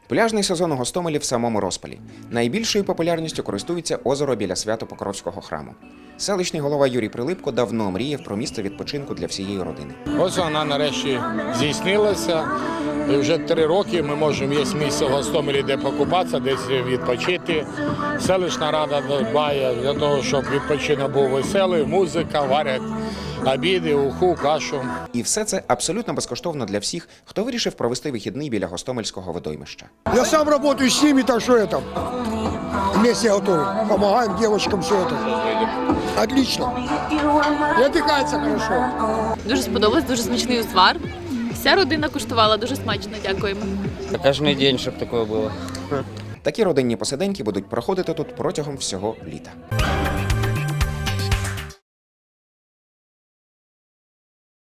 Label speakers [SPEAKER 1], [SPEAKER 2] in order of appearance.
[SPEAKER 1] Пляжний сезон у Гостомелі в самому розпалі. Найбільшою популярністю користується озеро біля Свято-Покровського храму. Селищний голова Юрій Прилипко давно мріяв про місце відпочинку для всієї родини.
[SPEAKER 2] Ось вона нарешті здійснилася. І вже 3 роки ми можемо, є місце в Гостомелі, де покупатися, десь відпочити. Селищна рада дбає для того, щоб відпочинок був веселий, музика, варять обіди, уху, кашу.
[SPEAKER 1] І все це абсолютно безкоштовно для всіх, хто вирішив провести вихідний біля Гостомельського водоймища.
[SPEAKER 3] Я сам работаю с ними, так что это, вместе готовим. Помогаем девочкам все это. Отлично. И отдыхается хорошо.
[SPEAKER 4] Дуже сподобалось, дуже смачний узвар. Вся родина куштувала, дуже смачно, дякуємо.
[SPEAKER 5] Кожен день, щоб таке було.
[SPEAKER 1] Такі родинні посиденьки будуть проходити тут протягом всього літа.